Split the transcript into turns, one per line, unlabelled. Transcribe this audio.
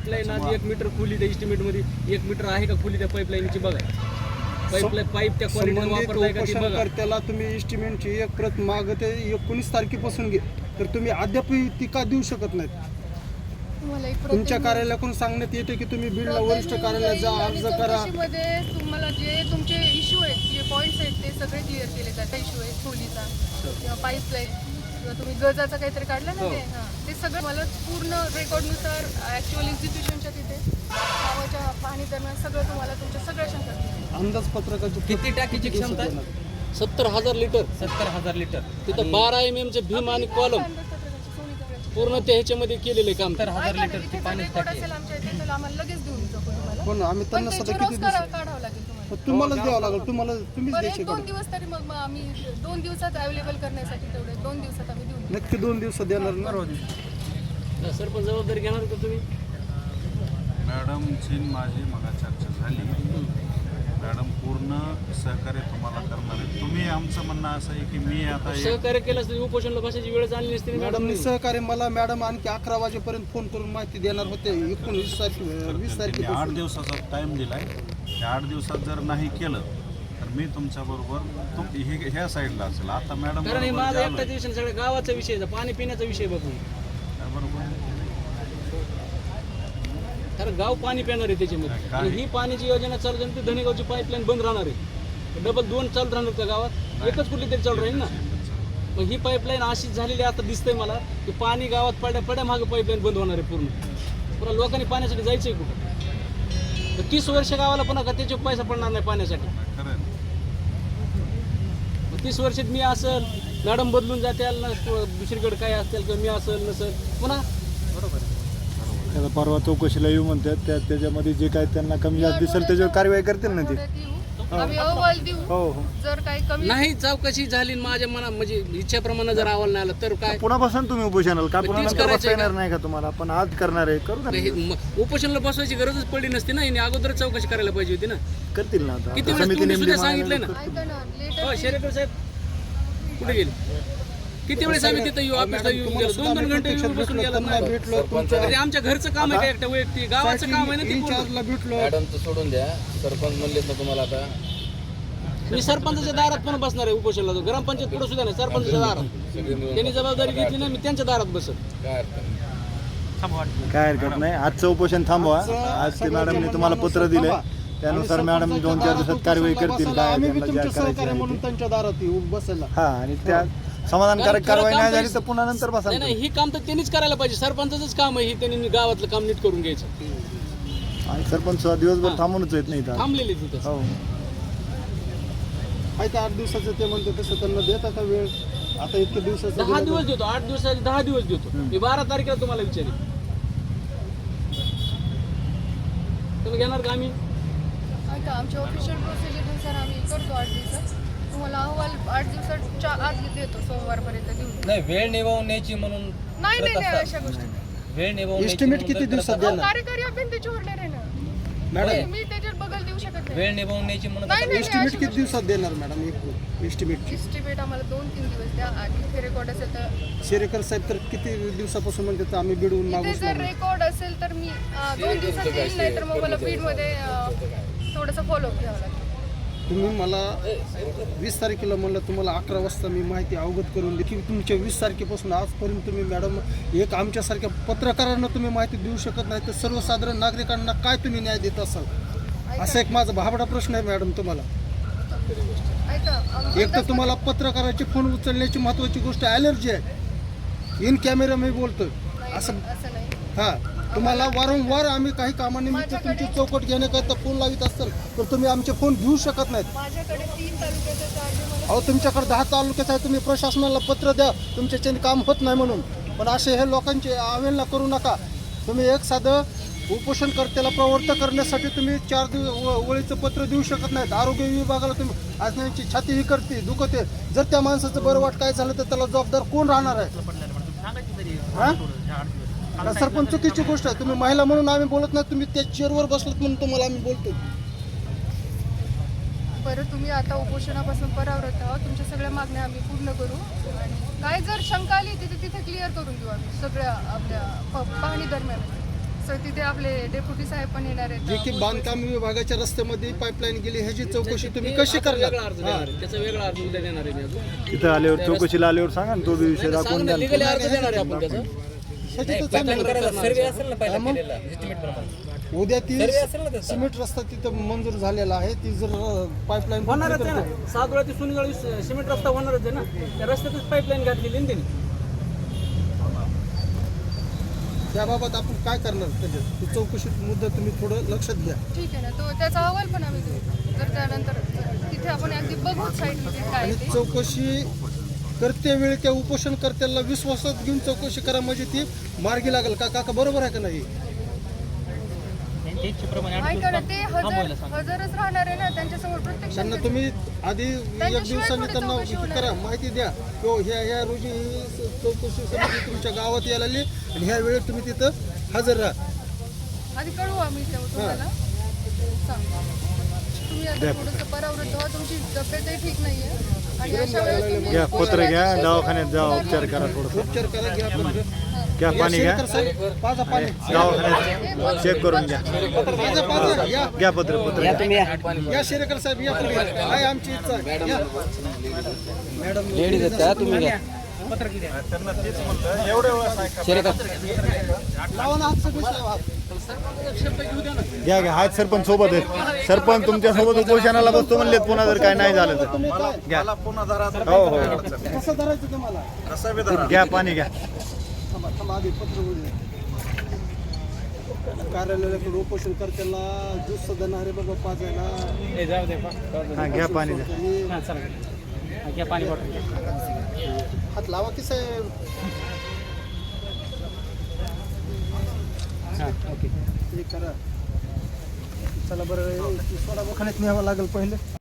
Pipeline आज 1 metre खोली त्या एस्टिमेट मध्ये 1 मीटर आहे का खोली त्या पाईपलाईनची बघा. पाईप त्या क्वालिटीने वापरलाय का ती बघा.
त्याला तुम्ही एस्टिमेटची एक प्रत मागते 19 तारखेपासून घे, तर तुम्ही अद्याप ती का देऊ शकत नाहीत? तुमच्या कार्यालयाकडून सांगण्यात येते की तुम्ही बीडला वरिष्ठ कार्यालयात जा, अर्ज करा.
तुम्हाला जे तुमचे इश्यू आहेत, जे पॉईंट्स आहेत ते सगळे क्लिअर केले जातात. इश्यू आहे खोलीचा किंवा पाईपलाईन किंवा तुम्ही गजाचं काहीतरी काढलं ना ते सगळं मला पूर्ण रेकॉर्डनुसार ॲक्च्युअल एक्झिक्युशनच्या तिथे गावाच्या पाहणी दरम्यान सगळं तुम्हाला तुमच्या सगळ्या शंका.
अंदाजपत्रकाची
किती टाकीची क्षमता आहे?
70,000 लिटर.
70,000 लिटर.
तिथं 12 mm चे भीम आणि कॉलम पूर्ण त्या ह्याच्यामध्ये केलेले काम.
70,000 लिटरची पाणी
असेल आमच्या इथे तर आम्हाला लगेच देऊन टाकू तुम्हाला.
पण आम्ही त्यांना सध्या किती
काढावं लागेल तुम्हाला.
तुम्हालाच द्यावं लागेल, तुम्हीच
बरं,
द्यायचे.
1-2 दिवस तरी मग आम्ही 2 दिवसात अवेलेबल करण्यासाठी तेवढे 2 दिवसात आम्ही देऊन
नक्की 2 दिवसात देणार ना.
सरपंच जबाबदारी घेणार का तुम्ही?
मॅडमची माझी मगा चर्चा झाली. मॅडम पूर्ण सहकार्य तुम्हाला करणार आहे. तुम्ही आमचं म्हणणं असं आहे की मी आता
सहकार्य केलं असतं उपोषणला बसायची वेळ आली नसती.
मॅडमनी सहकार्य मला मॅडम आणखी 11 वाजेपर्यंत फोन करून माहिती देणार होते. 19 तारखे 20 तारखे
8 दिवसाचा टाइम दिलाय. त्या 8 दिवसात जर नाही केलं तर मी तुमच्याबरोबर ह्या साईडला असेल. आता मॅडम
कारण हे माझा एकटाच विषय, सगळ्या गावाचा विषय, पाणी पिण्याचा विषय बघून.
बरोबर
कारण गाव पाणी पिणार आहे त्याच्यामध्ये. आणि ही पाण्याची योजना चालू झाली तर धनेगावची पाईपलाईन बंद राहणार आहे. डबल 2 चालू राहणार त्या गावात, एकच कुठली तरी चालू राहील ना. मग ही पाईपलाईन अशीच झालेली आता दिसतंय मला की पाणी गावात पड्या मागे पाईपलाईन बंद होणार आहे पूर्ण. पुन्हा लोकांनी पाण्यासाठी जायचंय कुठं? 30 वर्ष गावाला पुन्हा का त्याचे पैसा पडणार नाही पाण्यासाठी. 30 वर्षात मी असेल, मॅडम बदलून जातील ना, दुसरीकडे काय असेल किंवा मी असेल नसेल पुन्हा. बरोबर
त्याला परवा चौकशीला येऊ म्हणतात, त्याच्यामध्ये जे काय त्यांना कमी जास्त दिसेल त्याच्यावर कारवाई करतील ना ते.
आम्ही अहवाल देऊ.
हो.
जर काही कमी
नाही चौकशी झाली माझ्या मना म्हणजे इच्छेप्रमाणे जर अहवाल नाही आला तर काय
पुन्हा बसून तुम्ही उपोषणाला का पुन्हा
तीच
नंतर
करायचं
बसता येणार नाही का तुम्हाला? आपण आज करणार आहे, करू ना.
उपोषणाला बसवायची गरजच पडली नसती ना. हिने अगोदर चौकशी करायला पाहिजे होती ना.
करतील ना आता.
किती वेळेस तुम्ही सुद्धा सांगितलं ना.
ऐका ना, लेटर
हो शेरेकर साहेब कुठे गेले? किती वेळेस आम्ही तिथं येऊ, ऑफिसला येऊन गेलो, 2-2 घंटे येऊन बसून गेला.
भेटलो
म्हणजे आमच्या घरचं काम आहे का एकट्या वैयक्तिक? गावाचं काम आहे ना ते पूर्ण.
इन्चार्जला भेटलो.
मॅडमचं सोडून द्या, सरपंच म्हणलेत ना तुम्हाला आता.
मी सरपंचाच्या दारात पण बसणार आहे उपोषणाला. ग्रामपंचायत पुढे सुद्धा नाही, सरपंचाच्या दारात. त्यांनी जबाबदारी घेतली ना, मी त्यांच्या दारात बसत.
काय हरकत नाही. आजचं उपोषण थांबवा. आज ते मॅडमने तुम्हाला पत्र दिले, त्यानुसार मॅडम 2-4 दिवसात कारवाई करतील. काय
आम्ही बी
त्यांना
तुमच्या
ज्या करायचं
सहकार्य
आहे
म्हणून
ते.
त्यांच्या दारात येऊ बसायला.
हा, आणि त्या समाधानकारक कारवाई नाही झाली तर पुन्हा नंतर बसा.
नाही ही काम तर त्यांनीच करायला पाहिजे. सरपंचाचंच काम आहे ही, त्यांनी गावातलं काम नीट करून घ्यायचं.
आणि सरपंच दिवसभर थांबूनच येत नाही इथं.
थांबलेले तिथं.
हो.
आहे का 8 दिवसाचं ते म्हणतो तसं त्यांना देत आता वेळ. आता इतके दिवसाचं
10 दिवस देतो, 8 दिवसाचे 10 दिवस देतो. मी 12 तारखेला तुम्हाला विचारेन. तुम्ही घेणार का? आम्ही
ऐका, आमच्या ऑफिशियल प्रोसिजरनुसार आम्ही करतो 8 दिवसात. तुम्हाला अहवाल 8 दिवसाच्या आत देतो, सोमवारपर्यंत देऊन.
नाही वेळ निभावण्याची म्हणून
नाही नाही नाही, अशा गोष्टी नाही.
वेळ निभावण्याची
एस्टिमेट किती दिवसात
अहो,
देणार
कार्यकारी अभियंता त्याच्यावर नाही राहणार.
मॅडम?
मी त्याच्यात बदल देऊ शकत नाही.
वेळ निभावण्याची म्हणून
नाही नाही
एस्टिमेट किती दिवसात देणार मॅडम? एक एस्टिमेट
एस्टिमेट आम्हाला 2-3 दिवस द्या. आणि इथे रेकॉर्ड असेल तर
शेरेकर साहेब तर किती दिवसापासून म्हणतात आम्ही बिडवून
इथे
मागूच
जर
नाही.
रेकॉर्ड असेल तर मी 2 दिवसात येईल, नाही तर मग मला बीडमध्ये थोडंसं फॉलोअप घ्यावं लागेल.
तुम्ही मला 20 तारखेला म्हणलं, तुम्हाला 11 वाजता मी माहिती अवगत करून दे की तुमच्या 20 तारखेपासून आजपर्यंत तुम्ही मॅडम एक आमच्यासारख्या पत्रकारांना तुम्ही माहिती देऊ शकत नाही तर सर्वसाधारण नागरिकांना काय तुम्ही न्याय देत असाल? असा एक माझा भाबडा प्रश्न आहे मॅडम तुम्हाला.
ऐका,
एक तर तुम्हाला पत्रकाराचे फोन उचलण्याची महत्त्वाची गोष्ट ॲलर्जी आहे. इन कॅमेरा मी बोलतोय असं.
असं नाही.
हां, तुम्हाला वारंवार आम्ही काही कामानिमित्त तुमची चौकट घेण्याकरता फोन लावित असाल तर तुम्ही आमचे फोन घेऊ शकत नाहीत.
माझ्याकडे 3 तालुक्याचे चार्ज मला.
अहो, तुमच्याकडे 10 तालुक्यात आहे. तुम्ही प्रशासनाला पत्र द्या तुमच्याच्याने काम होत नाही म्हणून. पण असे हे लोकांची अवहेलना करू नका. तुम्ही एक साधं उपोषणकर्त्याला प्रवृत्त करण्यासाठी तुम्ही 4 ओळीचं पत्र देऊ शकत नाहीत. आरोग्य विभागाला तुम्ही आज त्यांची छाती ही करते, दुखते. जर त्या माणसाचं बरं वाट काय झालं तर त्याला जबाबदार कोण राहणार आहे? हां, सरपंच चुकीची गोष्ट आहे. तुम्ही महिला म्हणून आम्ही बोलत नाही, तुम्ही त्या चेअरवर बसलात म्हणून तुम्हाला आम्ही बोलतो.
बरं, तुम्ही आता उपोषणापासून परावृत्त आहोत. तुमच्या सगळ्या मागण्या आम्ही पूर्ण करू. आणि काय जर शंका आली तिथे क्लिअर करून देऊ आम्ही सगळ्या आपल्या पाहणी दरम्यान. तसं तिथे आपले डेप्युटी साहेब पण येणार आहेत
जे की बांधकाम विभागाच्या रस्त्यामध्ये पाईपलाईन गेली ह्याची चौकशी तुम्ही कशी
त्याचा
करणार
वेगळा अर्ज देणार आहे. त्याचा वेगळा अर्ज उद्या देणार आहे मी अजून.
तिथं आल्यावर चौकशीला आल्यावर सांगा ना तो बी विषय दाखवून द्या ना.
लिगली अर्ज देणार आहे आपण त्याचा.
ह्याची तर चांगलं. उद्या ती सिमेंट रस्ता तिथं मंजूर झालेला आहे ती जर पाईपलाईन
होणारच आहे ना. 7 वेळा ती सुनगळ सिमेंट रस्ता होणारच आहे ना. त्या रस्त्यातच पाईपलाईन घातलेली आहे ना त्यांनी.
त्याबाबत आपण काय करणार त्याच्यात ती चौकशी मुद्दा तुम्ही थोडं लक्षात घ्या.
ठीक आहे ना, तो त्याचा अहवाल पण आम्ही देऊ. तर त्यानंतर तिथे आपण अगदी बघू साईडमध्ये काय
आणि
आहे ते.
चौकशी करते वेळी त्या उपोषणकर्त्याला विश्वासात घेऊन चौकशी करा म्हणजे ती मार्गी लागेल का काका बरोबर आहे का नाही?
ऐका ना, ते हजरच राहणार आहे ना त्यांच्यासमोर प्रत्यक्ष.
त्यांना तुम्ही आधी एक दिवसांनी त्यांना करा माहिती द्या किंवा ह्या रोजी ही चौकशी समिती तुमच्या गावात यायला आली आणि ह्या वेळेत तुम्ही तिथं हजर राहा.
आधी कळवू आम्ही तुम्हाला सांगू. तुम्ही आता थोडंसं परावृत्त व्हा, तुमची तब्येतही ठीक नाहीये आणि अशा वेळेस तुम्ही
घ्या पत्र घ्या दवाखान्यात जा उपचार करा थोडंसं
उपचार करा घ्या पत्र.
घ्या पाणी घ्या
शेरकर साहेब, पाजा पाणी
दवाखान्यात चेक करून घ्या
पाजा या
घ्या पत्र घ्या
या शेरेकर साहेब या पुढे काय आमची इच्छा आहे. या.
त्यांना तेच म्हणलं एवढ्या वेळा
लावा ना हात सगळे लावा हात.
घ्या घ्या हात सरपंच सोबत आहेत सरपंच तुमच्या सोबत उपोषणाला बसतो म्हणलेत पुन्हा जर काय नाही झालं तर
तुम्ही काय
मला पुन्हा धरा
हो हो
कसं धरायचं तुम्हाला?
कसा बी धरा.
घ्या पाणी घ्या
थांबा थांबा आधी पत्र बोलू. कार्यालयाकडे उपोषण करताना ज्यूस देणार आहे बाबा पाजायला.
हा घ्या पाणी घ्या
हात लावा की साहेब. हे करा. चला बरं सोडा दवाखान्यात न्यावं लागेल पहिले.